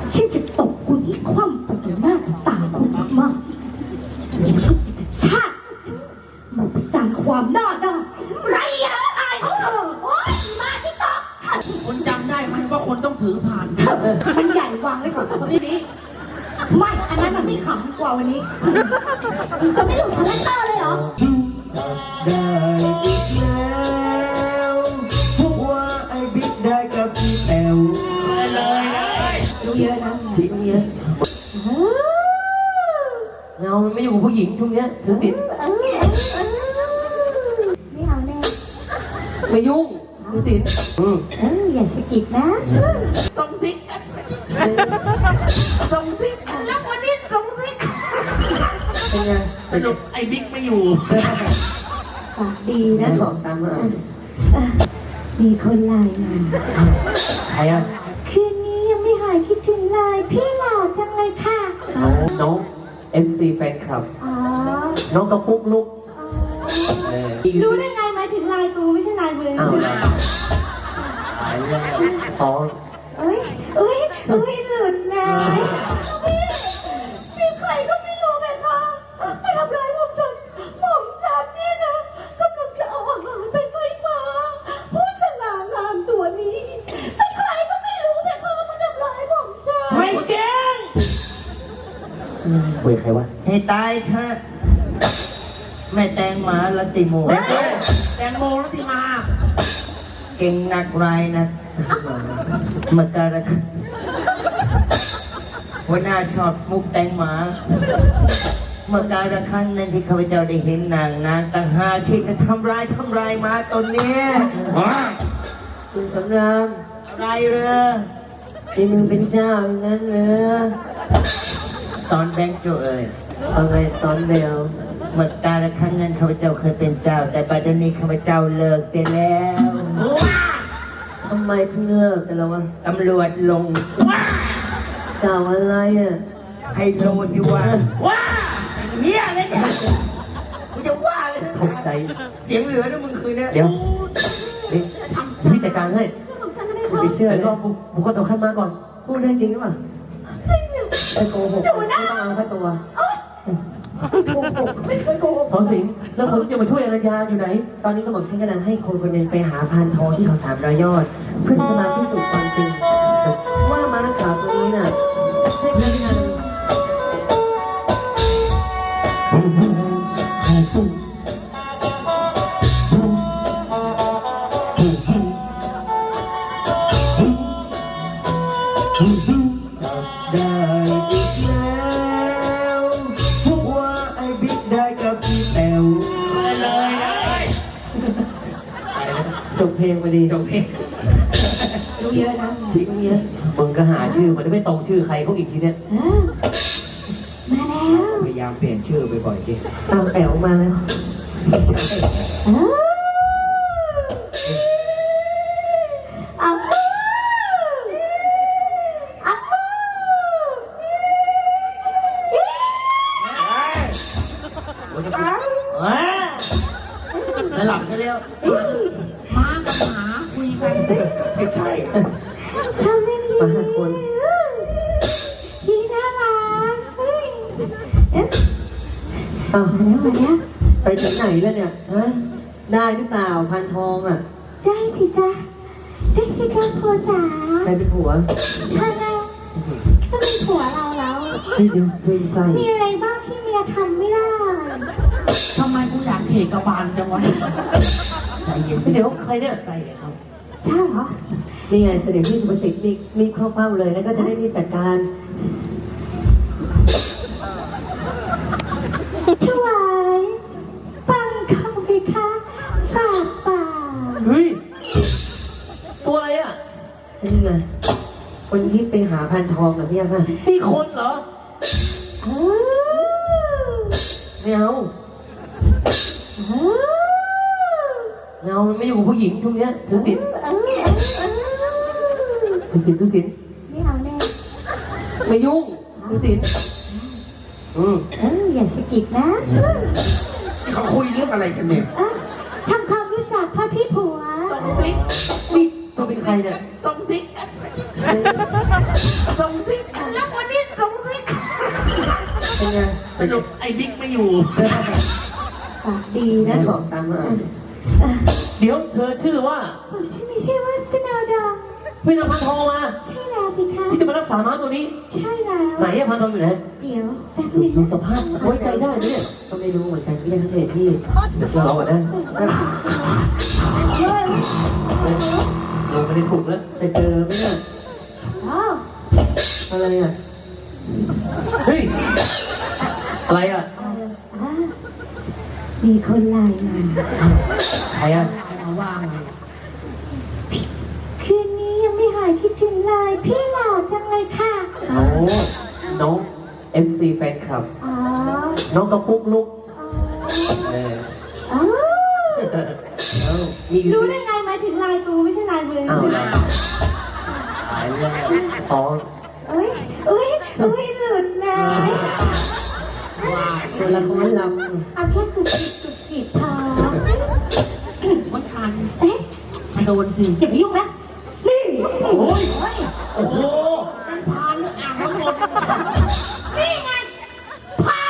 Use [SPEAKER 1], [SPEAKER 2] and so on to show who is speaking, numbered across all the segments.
[SPEAKER 1] ฉันจะตบคุณให้คว่ำไปต่อหน้าต่อตาคุณมากๆนี่มันจะเป็นชาติมันประจานความหน้าด้านไรอย่างอายของเธอโอ๊ยมาที่โต๊ะ
[SPEAKER 2] คุณจำได้ไหมว่าคนต้องถือผ่าน
[SPEAKER 1] มันใหญ่วางไว้ก่อนนี่ไม่อันนั้นมันไม่ขำกว่าวันนี้จะไม่หลุดคาแรคเตอร์เลยเหรอ
[SPEAKER 3] ได้อีกแล้วพวกว่าไอ้บิ๊กได้กับพี่แอล
[SPEAKER 2] เลย
[SPEAKER 1] รู้เยอะนะ
[SPEAKER 3] ทิ้งเยอะเงามันไม่อยู่กับผู้หญิงช่วงเนี้ยถือศีล
[SPEAKER 1] ไม่เอาแน่
[SPEAKER 3] ไม่ยุ่งถือศีล
[SPEAKER 1] อย่าสะกิดนะ
[SPEAKER 2] ส่งซิกกันส่งซิกกันแล้ววันนี้ส่งซิก
[SPEAKER 3] เป็นไง
[SPEAKER 2] สนุกไอ้บิ๊กไม่อยู่
[SPEAKER 1] ปากดีนะ
[SPEAKER 3] บอกตามมา
[SPEAKER 1] มีคนไลน์มา
[SPEAKER 3] ใครอ่ะ
[SPEAKER 1] คืนนี้ยังไม่หายคิดถึงเลยพี่หล่อจังเลยค่ะ
[SPEAKER 3] น้อง FC แฟนคลับ
[SPEAKER 1] อ๋อ
[SPEAKER 3] น้องกระปุกลุก
[SPEAKER 1] รู้ได้ไงมาถึงไลน์กูไม่ใช่ไลน์มือ
[SPEAKER 3] อ๋อ
[SPEAKER 1] เอ้ยหลุดเลยมีใครก็ไม่รู้ไหมคะมาทำร้ายผมฉันเนี่ยนะกำลังจะเอาอาหารไปให้หมาผู้สง่างามตัวนี้แต่ใครก็ไม่รู้ไหมคะมาทำร้ายผมฉัน
[SPEAKER 2] ไม่จริง
[SPEAKER 3] คุยใครวะ
[SPEAKER 4] ให้ตายเถอะแม่แตงหมาละติโม
[SPEAKER 2] แตงโมลัติมา
[SPEAKER 4] เก่งนักไรนะมาการะหัวหน้าชอบมุกแตงหมาเมื่อการละครั้งนั้นที่ข้าพเจ้าได้เห็นนางต่างหากที่จะทำร้ายหมาตนเนี้ย
[SPEAKER 3] คุณสำราม
[SPEAKER 4] อะไรเรือ
[SPEAKER 3] ที่มึงเป็นเจ้าอย่างนั้นเหรอ
[SPEAKER 4] สอนแบงค์โจเอ๋ย
[SPEAKER 3] อะไรสอนเบล
[SPEAKER 4] เมื่อการละครั้งนั้นข้าพเจ้าเคยเป็นเจ้าแต่ปัจจุบันนี้ข้าพเจ้าเลิกเสียแล้ว
[SPEAKER 3] ทำไมถึงเลิกกันแล้ววะ
[SPEAKER 4] ตำรวจลง
[SPEAKER 3] เจ้าอะไรอ่ะ
[SPEAKER 4] ให้โลสิว่า
[SPEAKER 2] เฮียเลยเนี่ย
[SPEAKER 4] กูจะว่าเลย
[SPEAKER 3] ตกใจ
[SPEAKER 4] เสียงเหลือนะมึงคืนเนี้ย
[SPEAKER 3] เดี๋ยวนี่พี่จัดการให้ไปเชื่อเลยก็บุคคลสำคัญมาก่อนพูดเรื่องจริงหรือเปล่า
[SPEAKER 1] จริงเนี่ย
[SPEAKER 3] ไปโกหกไม่ต้องเอาแค่ตัว
[SPEAKER 1] ไม่เคยโกหก
[SPEAKER 3] สอนสิงห์แล้วผมจะมาช่วยอรัญญาอยู่ไหนตอนนี้ก็บอกพี่กำลังให้คนคนหนึ่งไปหาพานทองที่เขา300 ยอดเพื่อจะมาพิสูจน์ความจริงว่าม้าขาวตัวนี้น่ะใช่พระพิฆาต
[SPEAKER 4] ได้อีกแล้วพวกว่าไอ้บิ๊กได้กับพี่แอล
[SPEAKER 2] เลย
[SPEAKER 3] จบเพลงมาดี
[SPEAKER 4] จบเพลง
[SPEAKER 1] รู้เยอะนะ
[SPEAKER 3] ทิ้งเยอะมึงก็หาชื่อมันไม่ตรงชื่อใครเขาอีกทีเนี่ย
[SPEAKER 1] มาแล้ว
[SPEAKER 4] พยายามเปลี่ยนชื่อบ่อยๆดิ
[SPEAKER 3] ตามแป๋วมาแล้ว
[SPEAKER 4] สลับกันแล้ว
[SPEAKER 2] ม้ากับหมาคุยกัน
[SPEAKER 4] ไม่ใช่
[SPEAKER 1] ชอบเล่นทีทีน่ารักมาแล้ว
[SPEAKER 3] ไปถึงไหนแล้วเนี่ยฮะได้หรือเปล่าพันทองอ่ะ
[SPEAKER 1] ได้สิจ๊ะผัวจ๋า
[SPEAKER 3] ใครเป็นผัว
[SPEAKER 1] ถ้าเราจะมีผัวเราแล้วมีอะไรบ้างที่เมียทำไม่ได้
[SPEAKER 2] ทำไมกูอยากเขกกระบาลจังวะ
[SPEAKER 3] ใจเย็นเดี๋ยวใครเนี่ย
[SPEAKER 4] ใครเนี่ยครับ
[SPEAKER 1] ใช่เหรอ
[SPEAKER 3] นี่ไงเสด็จพี่สุภสิทธิ์รีบเข้าเฝ้าเลยแล้วก็จะได้รีบจัดการ
[SPEAKER 1] ถวายปังคำไปค่ะฝากป่า
[SPEAKER 3] เฮ้ยตัวอะไรอ่ะนี่ไงคนที่ไปหาพันทองแบบนี้ค่ะนี่คนเหรอไม่เอาเงามันไม่อยู่กับผู้หญิงช่วงเนี้ยถือศีล
[SPEAKER 1] ไม่เอาแน่
[SPEAKER 3] ไม่ยุ่งถือศีล
[SPEAKER 1] อย่าสะกิดนะ
[SPEAKER 2] เขาคุยเรื่องอะไรกันเนี่ย
[SPEAKER 1] ทำความรู้จักพ่อพี่ผัว
[SPEAKER 2] ต้องซิก
[SPEAKER 3] นี่ตัวเป็นใครเนี่ย
[SPEAKER 2] ส่งซิกกันส่งซิกกันแล้ววันนี้ส่งซิก
[SPEAKER 3] เป็นไง
[SPEAKER 2] สรุปไอ้บิ๊กไม่อยู่
[SPEAKER 1] ปากดี
[SPEAKER 3] แม่
[SPEAKER 1] นะ
[SPEAKER 3] บอกตามมา
[SPEAKER 1] อ่ะ
[SPEAKER 3] เดี๋ยวเธอชื่อว่า
[SPEAKER 1] ผมชื่อไม่ใช่ว่าสนาดา
[SPEAKER 3] พี่นำพันทองมา
[SPEAKER 1] ใช่แล้วพี่คะ
[SPEAKER 3] ที่จะมารักษาม้าตัวนี้
[SPEAKER 1] ใช่แล้ว
[SPEAKER 3] ไหนอะพันทองอยู่ไหน
[SPEAKER 1] เดี๋ยวแป๊บ
[SPEAKER 3] สุ
[SPEAKER 1] นึ
[SPEAKER 3] ด
[SPEAKER 1] ง
[SPEAKER 3] ดู
[SPEAKER 1] นะ
[SPEAKER 3] สภาพไว้ใจได้ไหมเนี่ยก็ไม่รู้เหมือนกันพี่ได้เสด็จพี่เราอะนะลงไปในถุงแล้วจะเจอไหมเนี่ย
[SPEAKER 1] อ๋อ
[SPEAKER 3] อะไรอะเฮ้ยอะไรอะ
[SPEAKER 1] อ่ะมีคนไลน์มา
[SPEAKER 3] ใครอะ
[SPEAKER 2] มาว่าง
[SPEAKER 1] คืนนี้ยังไม่หายคิดถึงเลยพี่หล่อจังเลยค่ะ
[SPEAKER 3] โอ้น้อง FC แฟนคลับ
[SPEAKER 1] อ๋อ
[SPEAKER 3] น้องกระปุกลุก
[SPEAKER 1] อ๋อ
[SPEAKER 3] เออ
[SPEAKER 1] อ๋อ
[SPEAKER 3] แล้วมี
[SPEAKER 1] รู้ได้ไงหมายถึงลายกูไม่ใช่ลายมือ
[SPEAKER 3] อ้าว
[SPEAKER 2] อ้าว
[SPEAKER 3] หายเรื่องอ๋อ
[SPEAKER 1] เอ้ยเอ้ยเอ้ยหลุดเลย
[SPEAKER 2] ว่า
[SPEAKER 3] ตัวละครล
[SPEAKER 1] เอาแค่กุดกิดพอ
[SPEAKER 2] มันคัน
[SPEAKER 1] เอ๊ะ
[SPEAKER 2] โดนสิ
[SPEAKER 1] อย่าไปยุ่งนะนี่
[SPEAKER 3] ำโอ้ย
[SPEAKER 1] เฮ้ย
[SPEAKER 3] โอ้โห
[SPEAKER 2] นั่นพานหรืออ่างน้ำมนต์
[SPEAKER 1] นี่ไงพาน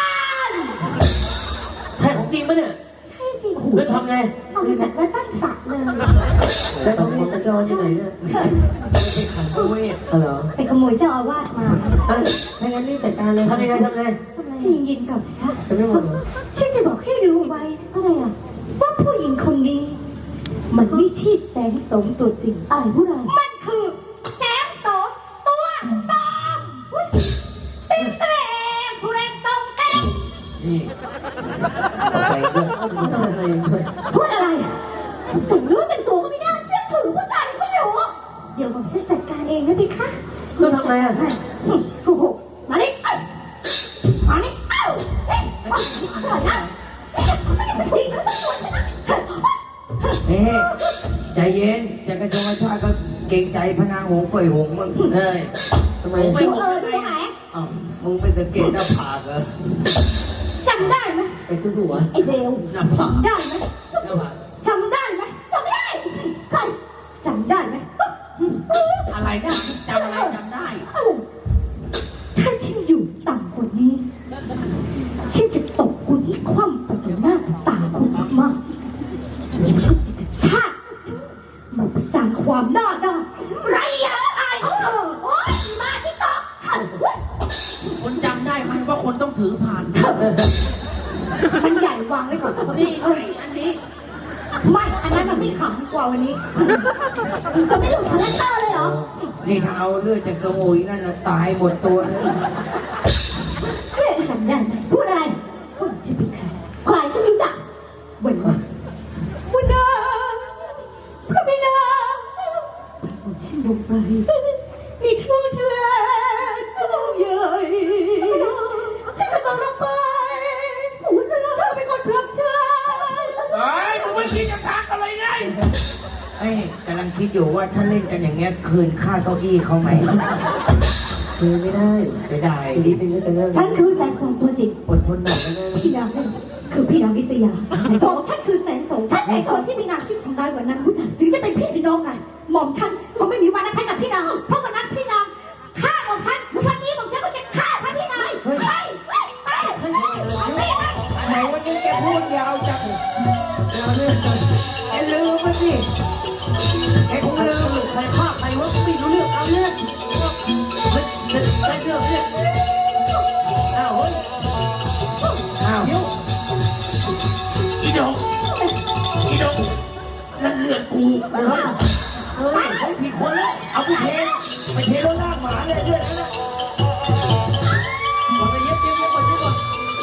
[SPEAKER 3] แท้ของจริงปะเนี่ย
[SPEAKER 1] ใช่สิ
[SPEAKER 3] แล้วทำไง
[SPEAKER 1] เอามาจากวัดตั้งสัตว์เลย
[SPEAKER 3] แล้วเขามีสัญจรที่ไหนเนี่ย
[SPEAKER 2] ไม่ใช่ขันตัวเวท
[SPEAKER 3] อ๋อเหรอ
[SPEAKER 1] ไปขโมยเจ้าอาวาสมา
[SPEAKER 3] อ่ะถ้างั้นรีบจัดการเลยทำยังไงทำไง
[SPEAKER 1] สิ่งยินกับนะคะ
[SPEAKER 3] จะไม่หมดเหรอ
[SPEAKER 1] ฉันจะบอกให้รู้ไว้อะไรอ่ะว่าผู้หญิงคนนี้ มันไม่ใช่แสงสมตัวจริงอะไรผู้ไรมันคือแสงสมตัวปลอมอุ๊ยติ๊งเตรงทุเรศตรงเต็ง
[SPEAKER 3] นี่เอาไปด้วยเอาไปด้วย
[SPEAKER 1] พูดอะไรถึงรู้แต่งตัวก็ไม่น่าเชื่อถือผู้ชายไม่รู้เดี๋ยวผมฉันจัดการเองนะพี่คะ
[SPEAKER 3] ต้องทำไงอ่ะ
[SPEAKER 1] โกหกมาดิเอ้ยมาดิเอ้าเฮ้ยก่อนนะไม่ได้มาทิ้งเขาตัวฉันนะ
[SPEAKER 4] เฮ้ใจเย็นจะกระชงกระชากก็เกรงใจพนางหงส์เฟยหงส์มึง
[SPEAKER 2] เอ้ย
[SPEAKER 3] ทำไม
[SPEAKER 2] ไป
[SPEAKER 1] ดูดูตรงไหน
[SPEAKER 4] อ้าวมึงไม่สังเกตหน้าผากเหรอ
[SPEAKER 1] จำได้ไหม
[SPEAKER 3] ไปขึ้นหัว
[SPEAKER 1] ไอ้เดว
[SPEAKER 2] หน้าผาก
[SPEAKER 1] ได้ไหม
[SPEAKER 4] หน้าผาก
[SPEAKER 1] จำได้ไหมจำไม่ได้ใครจำได้ไหม
[SPEAKER 2] อะไรนะจำอะไรจำได้
[SPEAKER 1] เอ้าถ้าฉันอยู่ต่ำกว่านี้ฉันจะตบคุณให้คว่ำไปต่อหน้าต่อตาคุณมากๆฉันจะเป็นชาติมาประจานความหน้าด้านไรอย่างอายของเธอโอ๊ยมาที่โต๊ะ
[SPEAKER 2] คนจำได้ไหมว่าคนต้องถือผ่าน
[SPEAKER 1] มันใหญ่วางไว้ก่อน
[SPEAKER 2] นี่ไงอันนี้
[SPEAKER 1] ไม่อันนั้นมันไม่ขำกว่าวันนี้จะไม่หลุดคาแรคเตอร์เลยเหรอ
[SPEAKER 4] นี่ถ้าเอาเลือดจากกระโมยนั่นนะตายหมดตัวเลย
[SPEAKER 1] เฮ้ยจำได้ไหมพูดอะไรพูดชื่อเป็นใครใครฉันไม่รู้จักวันนี้วันนาพระบิดาผมชื่อลงไปมีโทษแทนน้องใหญ่ฉันก็ต้องลงไปพูดอะไรเธอเป็นคนพรับใช้
[SPEAKER 2] เฮ้ยมึงไม่คิดจะทักอะไรไง
[SPEAKER 4] ไอ้ยกำลังคิดอยู่ว่าถ้าเล่นกันอย่างเงี้ยคืนค่าเก้าอี้เขาไหม
[SPEAKER 3] คือไม่ได้
[SPEAKER 4] ไม่ได้
[SPEAKER 3] อีกนิดนึงก็จะเลิก
[SPEAKER 1] ฉันคือแสงสองตัวจริง
[SPEAKER 3] อดทนหน่อยก็ได้
[SPEAKER 1] พี่นางคือพี่นางวิษยาสองฉันคือแสงสองฉันไอ้คนที่มีนางที่ทำร้ายวันนั้นรู้จักถึงจะเป็นพี่น้องกันหม่อมฉันก็ไม่มีวันอภัยกับพี่นางเพราะวันนั้นพี่นางฆ่าหม่อมฉันวันนี้หม่อมฉันก็จะฆ่าพระพี่นายไป
[SPEAKER 4] ไหนวันนี้แกพูดยาวจังเราเรื่องกันแกลืมมันสิแกคงลืม
[SPEAKER 3] ใครฆ่าใครวะไม่รู้เรื่องเอาเรื่องไม่เรื่องเนี่ยอ้าวเฮ้ย
[SPEAKER 4] อ้าว
[SPEAKER 3] เดี๋ยว
[SPEAKER 2] อีดงอีดงนั่นเลือดกู
[SPEAKER 3] เฮ้ยเฮ้ยผิดคนแล้ว
[SPEAKER 2] เอาไปเทไปเทรถลากหมาเลยเลือดนั่นแหละ
[SPEAKER 3] ก่อนไปเย็บก่อนเย็บก่อน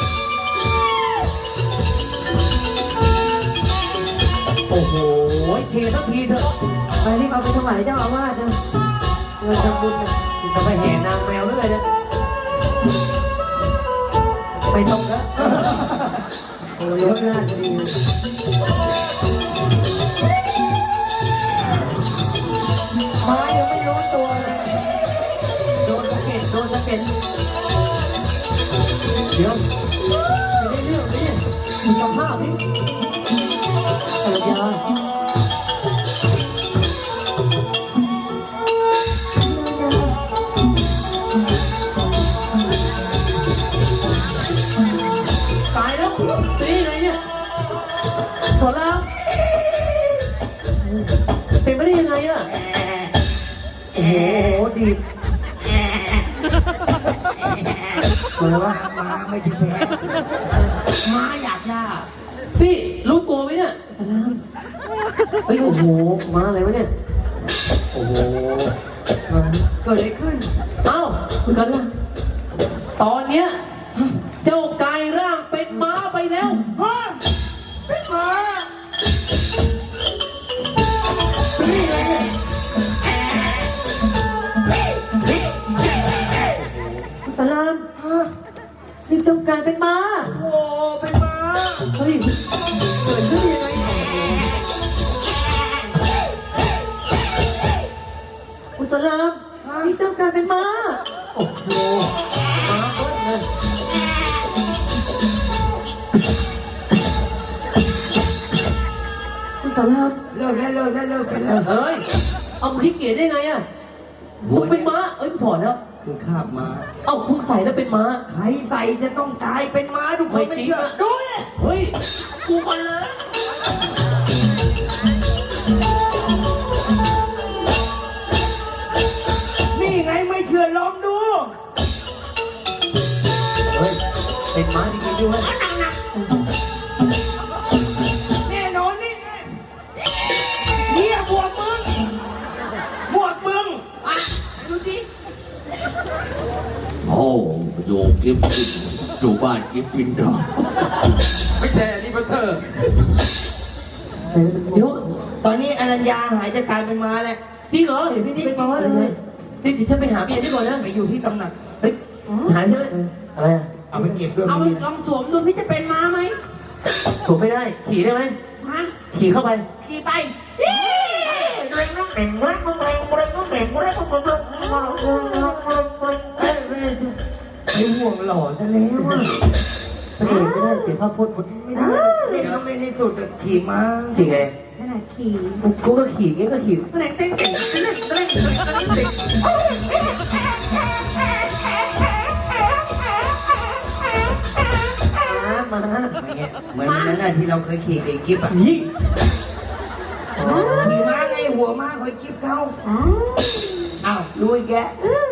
[SPEAKER 3] โอ้โหเททั้งทีเถอะไปรีบเอาไปถวายเจ้าอาวาสนะเงินทำบุญนะจะไปแห่นางแมวเรื่อยนะไปตรงแล้วโอ้ยรถลาดดี
[SPEAKER 4] ไม้ยังไม่รู้ตัวเลย
[SPEAKER 3] โดนสะเก็ดเดี๋ยวไม่ได้เรื่องเลยเนี่ยมีสภาพนี่ภรรยาดีตมาแล้ววะ
[SPEAKER 4] มาไม่ใช่แพ้
[SPEAKER 2] ม้าอยากย่า
[SPEAKER 3] นี่รู้ตัวไหมเนี่ยสลามเฮ้ยโอ้โหมาอะไรวะเนี่ยโอ้โหมา
[SPEAKER 4] เกิดอะไรขึ้น
[SPEAKER 3] เอ้าคุณกันล่ะตอนเนี้ยเจ้ากลายร่างเป็นม้าไปแล้ว
[SPEAKER 4] ฮะเป็นหมานี่ไงเนี่ย
[SPEAKER 3] คุณสลาม
[SPEAKER 4] ฮะ
[SPEAKER 3] นี่เจ้ากลายเป็นม้า
[SPEAKER 4] โอ้เป็นหมา
[SPEAKER 3] เฮ้ยเกิดขึ้นยังไงคุณสลามนี่เจ้ากลายเป็นม้าโอ้โหม้าเบิ้ลเลยคุณสลาม
[SPEAKER 4] เลิกแล้วเป็นแล้ว
[SPEAKER 3] เฮ้ย เอามึงขี้เกียจได้ไงอ่ะมึงเป็นม้า เอ้ยกูถอดแล้ว
[SPEAKER 4] คือคาบม้า
[SPEAKER 3] เอ้ามึงใส่แล้วเป็นม้า
[SPEAKER 4] ใครใส่จะต้องกลายเป็นม้าทุกคนไม่เชื่อ
[SPEAKER 3] ไม่จริงอะ
[SPEAKER 4] ดูเนี่ย
[SPEAKER 3] เฮ้ย
[SPEAKER 4] กูก่อนเลย นี่ไงไม่เชื่อลองดู
[SPEAKER 3] เฮ้ย เป็นม้าจริงๆด้วย
[SPEAKER 4] แน่นอนนี่ไงเนี่ยบวกมึงอ่ะดูดิ
[SPEAKER 2] โอ้โยกิฟฟินอยู่บ้านกิฟฟินดอไม่ใช่ลิเบอร์เตอร์
[SPEAKER 3] เดี๋ยว
[SPEAKER 4] ตอนนี้อรัญญาหายจากการเป็นม้าแล้ว
[SPEAKER 3] จริงเหรอเห็นพี่นี่เป็นม้าเลยนี่เดี๋ยวฉันไปหาเมียนี่ก่อนนะ
[SPEAKER 4] ไปอยู่ที่ตำหนัก
[SPEAKER 3] เฮ้ยหาใช่ไหมอะไรอ่ะ
[SPEAKER 4] เอาไปเก็บด้วย
[SPEAKER 2] เอา
[SPEAKER 4] มึง
[SPEAKER 2] ลองสวมดูสิจะเป็นม้าไหม
[SPEAKER 3] สวมไม่ได้ ขี่ได้ไหม
[SPEAKER 2] ฮะ
[SPEAKER 3] ขี่เข้าไป
[SPEAKER 2] ขี่ไป
[SPEAKER 4] ไอ้ห่วงหล่อซะแล้วอะ
[SPEAKER 3] พระเอกก็ได้เสียภาพพจน์
[SPEAKER 4] ไม่ได้เล่นแล้วไม่ได้สุดอะขี่ม้า
[SPEAKER 3] ขี่ไง
[SPEAKER 1] ขนาดขี่
[SPEAKER 3] กูก็ขี่งี้ก็ขี่
[SPEAKER 2] เต้นเต้นเต้นเต้นเต้นเต้น
[SPEAKER 3] มา
[SPEAKER 4] อย่างเงี้ยเหมือนวันนั้นน่ะที่เราเคยขี่กับไอ้กิ๊บอะ
[SPEAKER 3] นี่
[SPEAKER 4] ขี่ม้าไงหัวม้าคอยกิ๊บเขาอ้าวรู้อีกแก
[SPEAKER 1] เออ